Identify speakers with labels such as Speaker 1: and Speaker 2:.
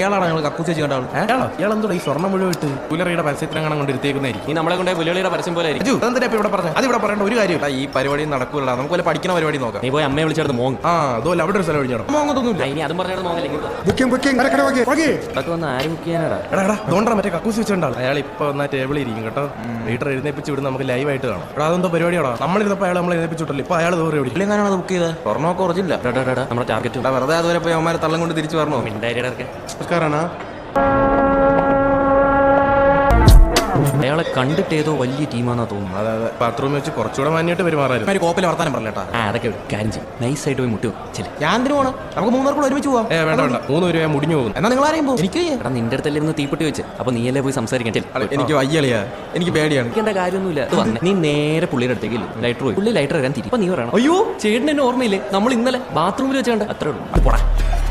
Speaker 1: ഇയാളാണ് ഞങ്ങൾ കക്കൂസ് ചെയ്യേണ്ട ആൾ. ഇയാളെന്തോ ഈ സ്വർണ്ണം മുഴുവൻ ഇട്ട് പുലറിയുടെ പരസ്യത്തിനങ്ങനെ കൊണ്ട് ഇരുത്തേക്കുന്നതായിരിക്കും.
Speaker 2: നീ നമ്മളെ കൊണ്ട് പുലിയുടെ പരസ്യം പോലെ ആയിരിക്കും.
Speaker 1: അതെന്താ ഇവിടെ പറഞ്ഞത്? അത് ഇവിടെ പറയേണ്ട ഒരു കാര്യമില്ല. ഈ പരിപാടി നടക്കൂല. നമുക്ക് വല്ല പഠിക്കുന്ന പരിപാടി നോക്കാം.
Speaker 2: നീ പോയി അമ്മയെ വിളിച്ചെടുത്ത് മോങ്.
Speaker 1: അതുപോലെ അവിടെ ഒരു സ്ഥലം ഒഴിഞ്ഞോ മോങ്ങൊന്നുമില്ല.
Speaker 2: ഇനി അതും പറഞ്ഞാൽ മോങ്ങല്ലെങ്കിൽ
Speaker 1: ഇതൊക്കെ
Speaker 2: വന്ന് ആരും ചെയ്യാനാടാ.
Speaker 1: അതുകൊണ്ടാ മറ്റേ കക്കൂസ് വെച്ചിട്ടുണ്ടാവും. അയാൾ ഇപ്പൊ വന്നാൽ ടേബിളിൽ ഇരിക്കും കേട്ടോ. വീട്ടിൽ എഴുന്നേപ്പിച്ച് വിടുന്ന നമുക്ക് ലൈവായിട്ട് കാണാം. എടാ അതെന്തോ പരിപാടിയാണോ? നമ്മളിരുന്നപ്പോൾ അയാൾ നമ്മൾ എഴുന്നേപ്പിച്ചിട്ടില്ല. ഇപ്പൊ അയാൾ ദൂരെ എവിടെ എങ്ങനെയാണ് ബുക്ക് ചെയ്തത്? സ്വർണ്ണമൊക്കെ കുറച്ചില്ല.
Speaker 2: നമ്മുടെ ടാർഗറ്റ്
Speaker 1: വെറുതെ അതുവരെ പോയി അവന്മാരെ തള്ളം കൊണ്ട് തിരിച്ചു പറഞ്ഞോ. നമസ്കാരാണ്.
Speaker 2: അയാളെ കണ്ടിട്ട് ഏതോ വലിയ ടീമാണെന്നാ തോന്നുന്നു.
Speaker 1: അതെ ബാത്റൂമിൽ വെച്ച് കുറച്ചുകൂടെ മാന്യമായിട്ട് പെരുമാറായിരുന്നു. കോപ്പിൽ വർത്താനം പറഞ്ഞേട്ടാ.
Speaker 2: അതൊക്കെ കാര്യം ചെയ്യും. നൈസായിട്ട് പോയി മുട്ടി വെച്ചില്ല.
Speaker 1: ഞാൻ എന്തിനു പോകണം? നമുക്ക് 3 പേർക്കൂടെ ഒരുമിച്ച് പോവാം. വേണ്ട 3 പേര് മുടിഞ്ഞു പോകും. എന്നാ നിങ്ങൾ ആരെയും പോകും. എനിക്ക്
Speaker 2: നിന്റെ അടുത്തല്ലേ തീപ്പെട്ടി വെച്ച്. അപ്പൊ നീയല്ലേ പോയി സംസാരിക്കാൻ.
Speaker 1: എനിക്ക് വയ്യളിയാ. എനിക്ക് പേടിയാണ്.
Speaker 2: എനിക്കെന്താ കാര്യമൊന്നുമില്ല. നീ നേരെ പുള്ളിയുടെ അടുത്തേക്ക് ലൈറ്റർ പോയി. പുള്ളി ലൈറ്റർ വരാൻ തിരി. നീ പറയണം, അയ്യോ ചേട്ടൻ എന്നെ ഓർമ്മയില്ലേ, നമ്മൾ ഇന്നലെ ബാത്റൂമിൽ വെച്ചാണ്ട്. അത്രേ ഉള്ളൂ. പോടാ.